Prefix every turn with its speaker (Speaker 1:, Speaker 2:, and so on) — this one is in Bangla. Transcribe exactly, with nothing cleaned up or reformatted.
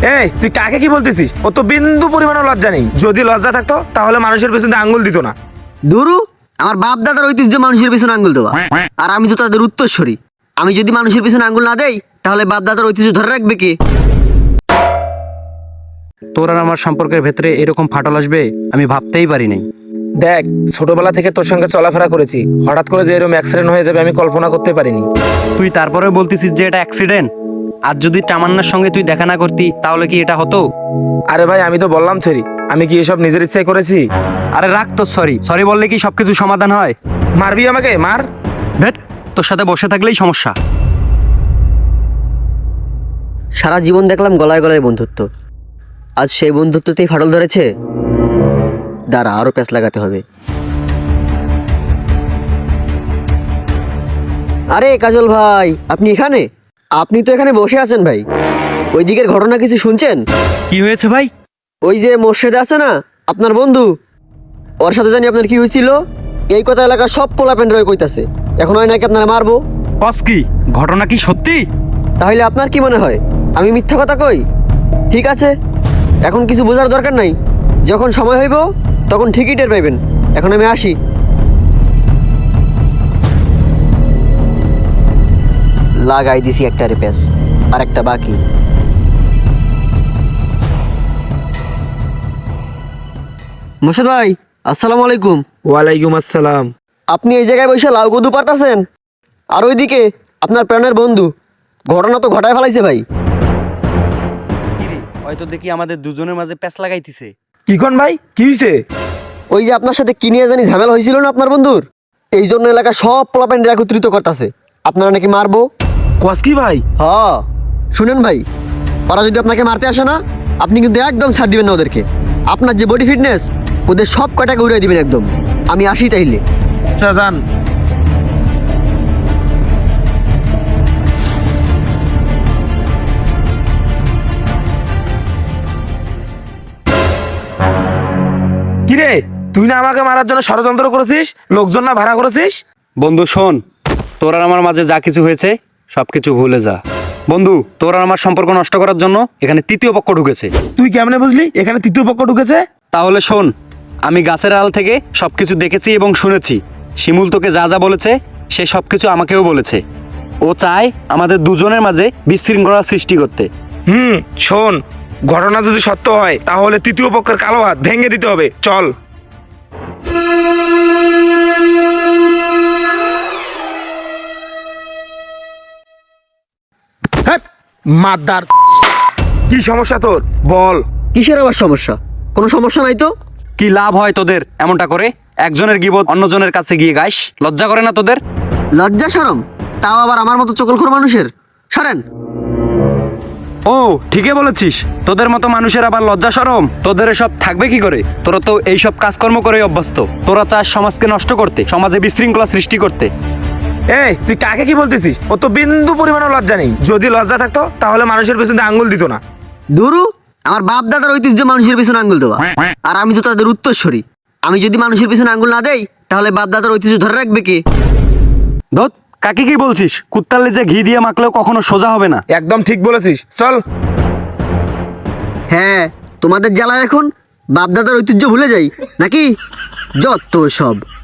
Speaker 1: এই তুই কাকে কি বলতেছিস? ও তো বিন্দু পরিমাণও লজ্জা নেই। যদি লজ্জা থাকতো তাহলে মানুষের পেছনে আঙ্গুল দিত না।
Speaker 2: দুরু, আমার বাপ দাদার ঐতিহ্য মানুষের পিছনে আঙ্গুল দেওয়া, আর আমি তো তাদের উত্তরসূরি। আমি যদি মানুষের পিছনে আঙ্গুল না দেই তাহলে বাপ দাদার ঐতিহ্য ধরে রাখবে কে?
Speaker 3: তোর আর আমার সম্পর্কের ভেতরে এরকম ফাটল আসবে আমি ভাবতেই পারি নাই।
Speaker 1: দেখ, ছোটবেলা থেকে তোর সঙ্গে চলাফেরা করেছি, হঠাৎ করে যে এরকম অ্যাক্সিডেন্ট হয়ে যাবে আমি কল্পনা করতে পারিনি।
Speaker 3: তুই তারপরে বলতেছিস যে এটা অ্যাক্সিডেন্ট। আর যদি তামান্নার সঙ্গে তুই দেখা না করতি তাহলে কি এটা হতো?
Speaker 1: আরে ভাই, আমি তো বললাম সরি, আমি কি এসব নিজের ইচ্ছায় করেছি?
Speaker 3: আরে রাখ তো সরি, সরি বললে কি সবকিছু সমাধান হয়?
Speaker 1: মারবি আমাকে? মার।
Speaker 3: ভেট, তোর সাথে বসে থাকলেই সমস্যা।
Speaker 2: সারা জীবন দেখলাম গলায় গলায় বন্ধুত্ব, আজ সেই বন্ধুত্বতেই ফাটল ধরেছে। দাঁড়া, আরো প্যাঁচ লাগাতে হবে। আরে কাজল ভাই, আপনি এখানে? আপনি তো এখানে বসে আছেন ভাই। ওই দিকের ঘটনা কিছু শুনছেন?
Speaker 3: কি হয়েছে ভাই?
Speaker 2: ওই যে মোর্শেদে আছে না আপনার বন্ধু, ওর সাথে জানি আপনার কি হয়েছিল, এই কথা এলাকার সব পোলাপেন রয়ে কইতাছে। এখন হয় নাকি আপনারা মারবো।
Speaker 3: বস কি ঘটনা কি সত্যি?
Speaker 2: তাহলে আপনার কি মনে হয় আমি মিথ্যা কথা কই? ঠিক আছে, এখন কিছু বোঝার দরকার নাই, যখন সময় হইব তখন ঠিকই টের পাইবেন। এখন আমি আসি। লাগাই দিছি একটা রিপেস, আর একটা বাকি। মোর্শেদ ভাই, আসসালামু আলাইকুম।
Speaker 1: ওয়ালাইকুম আসসালাম।
Speaker 2: আপনি এই জায়গায় বসে লাউ কদু পারতাছেন, আর ওইদিকে আপনার প্রাণের বন্ধু ঘটনা তো ঘটায় ফেলাইছে ভাই।
Speaker 3: কিরে, হয়তো দেখি আমাদের দুজনের মাঝে প্যাঁচ লাগাইতিছে।
Speaker 1: কি কোন ভাই, কি হয়েছে?
Speaker 2: ওই যে আপনার সাথে কি নিয়ে জানি ঝামেলা হয়েছিল না আপনার বন্ধুর, এই জন্য এলাকা সব পোলাপেন্ডে একত্রিত করতেছে আপনারা নাকি মারবো।
Speaker 1: কোয়াস কি ভাই?
Speaker 2: হ, শুনেন ভাই, ওরা যদি আপনাকে মারতে আসে না, আপনি কিন্তু একদম ছাড় দিবেন না ওদেরকে। আপনার যে বডি ফিটনেস, ওদের সব কটাকে উড়িয়ে দিবেন একদম। আমি আসি তাইলে।
Speaker 1: আচ্ছা দান। কিরে, তুই না আমাকে মারার জন্য ষড়যন্ত্র করেছিস, লোকজন না ভাড়া করেছিস?
Speaker 3: বন্ধু শোন, তোর আর আমার মাঝে যা কিছু হয়েছে সবকিছু ভুলে যা। বন্ধু, তোর আর আমার সম্পর্ক নষ্ট করার জন্য এখানে তৃতীয় পক্ষ ঢুকেছে।
Speaker 1: তুই কেমনে বুঝলি এখানে তৃতীয় পক্ষ ঢুকেছে?
Speaker 3: তাহলে শোন, আমি গাছের আড়াল থেকে সবকিছু দেখেছি এবং শুনেছি। শিমুল তোকে যা যা বলেছে সে সবকিছু আমাকেও বলেছে। ও চায় আমাদের দুজনের মাঝে বিশৃঙ্খলা সৃষ্টি করতে।
Speaker 1: হুম, শোন, ঘটনা যদি সত্য হয় তাহলে তৃতীয় পক্ষের কালো হাত ভেঙে দিতে হবে। চল। হ্যাট, মাদার, কি সমস্যা তোর বল?
Speaker 2: কিসের আবার সমস্যা? কোনো সমস্যা নাই তো।
Speaker 3: কি লাভ হয় তোদের এমনটা করে? একজনের গিবত অন্যজনের কাছে গিয়ে গাইস, লজ্জা করে না তোদের?
Speaker 2: লজ্জা শরম, তাও আবার আমার মতো চকলখোর মানুষের। সরেন।
Speaker 3: ও ঠিকই বলেছিস, তোদের মতো মানুষের আবার লজ্জা শরম? তোদের সব থাকবে কি করে? তোরা তো এইসব কাজকর্ম করে অভ্যস্ত। তোরা চাস সমাজকে নষ্ট করতে, সমাজে বিশৃঙ্খলা সৃষ্টি করতে।
Speaker 1: এই তুই কাকে কি বলতেছিস? ও তো বিন্দু পরিমাণও লজ্জা নেই। যদি লজ্জা থাকতো তাহলে মানুষের পেছনে আঙ্গুল দিত না।
Speaker 2: দুরু, আমার বাপ দাদার ঐতিহ্য মানুষের পিছনে আঙ্গুল দেওয়া, আর আমি তো তাদের উত্তরসূরি। আমি যদি মানুষের পিছনে আঙ্গুল না দেই তাহলে বাপ দাদার ঐতিহ্য ধরে রাখবে কে?
Speaker 3: ধত, কাকে কি বলছিস? কুত্তার লেজে ঘি দিয়ে মাখলেও কখনো সোজা হবে না।
Speaker 1: একদম ঠিক বলেছিস, চল।
Speaker 2: হ্যাঁ, তোমাদের জ্বালা এখন বাপ দাদার ঐতিহ্য ভুলে যাই নাকি? যত সব।